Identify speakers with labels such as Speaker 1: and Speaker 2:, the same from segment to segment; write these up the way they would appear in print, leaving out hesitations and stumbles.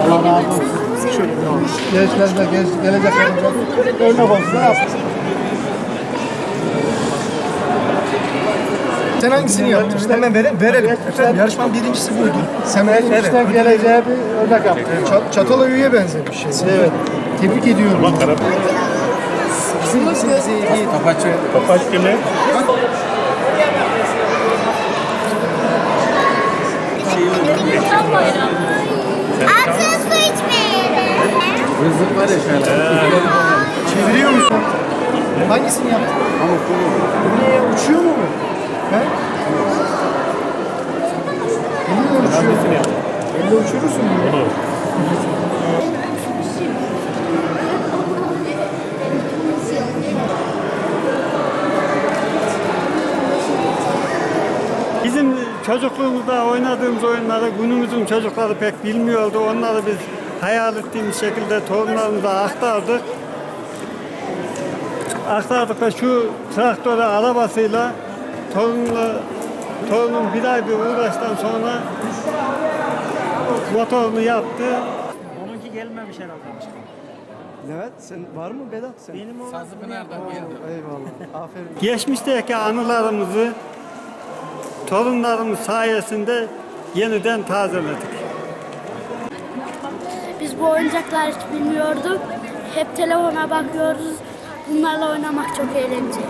Speaker 1: Allah razı olsun. Gençlerle, gelecek örnek olsun. Sen hangisini yaptın? Hemen verelim. Yarışmanın birincisi buydu. Geçmişten geleceğe bir örnek yaptın. Çatalhöyük'e benzemiş şey. Evet. Tebrik ediyorum. Bizim iyi.
Speaker 2: Kapaç kimi?
Speaker 3: Aksız su içmeyelim.
Speaker 4: Rızık var ya şöyle.
Speaker 1: Çeviriyor musun? Hangisini yaptın? Bu ne ya? Uçuyor mu bu? He? Elle uçuyor. Elle uçurursun bunu.
Speaker 5: Bizim çocukluğumuzda oynadığımız oyunları günümüzün çocukları pek bilmiyordu. Onları biz hayal ettiğimiz şekilde torunlarımıza aktardık. Aktardık ve şu traktörü arabasıyla torunum bir ay bir uğraştan sonra motorunu yaptı.
Speaker 6: Onunki gelmemiş herhalde.
Speaker 1: Evet, sen var mı Vedat sen?
Speaker 6: Benim o
Speaker 4: Sazlıpınar'dan geldim.
Speaker 1: Eyvallah. Aferin.
Speaker 5: Geçmişteki anılarımızı torunlarımız sayesinde yeniden tazeledik.
Speaker 3: Biz bu oyuncaklar hiç bilmiyorduk. Hep telefona bakıyoruz. Bunlarla oynamak çok eğlenceli.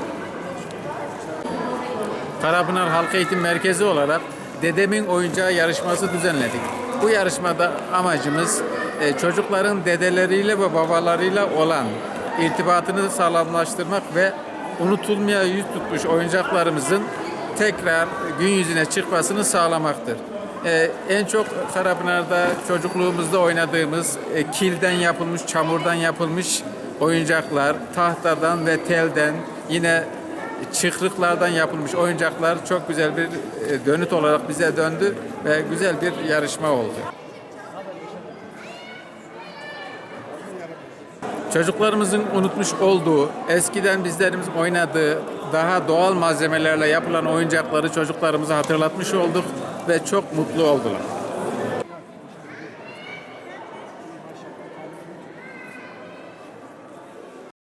Speaker 4: Karapınar Halk Eğitim Merkezi olarak Dedemin Oyuncağı yarışması düzenledik. Bu yarışmada amacımız çocukların dedeleriyle ve babalarıyla olan irtibatını sağlamlaştırmak ve unutulmaya yüz tutmuş oyuncaklarımızın tekrar gün yüzüne çıkmasını sağlamaktır. En çok Karapınar'da çocukluğumuzda oynadığımız kilden yapılmış, çamurdan yapılmış oyuncaklar, tahtadan ve telden, yine çıkrıklardan yapılmış oyuncaklar çok güzel bir dönüt olarak bize döndü ve güzel bir yarışma oldu. Çocuklarımızın unutmuş olduğu, eskiden bizlerimiz oynadığı daha doğal malzemelerle yapılan oyuncakları çocuklarımıza hatırlatmış olduk ve çok mutlu oldular.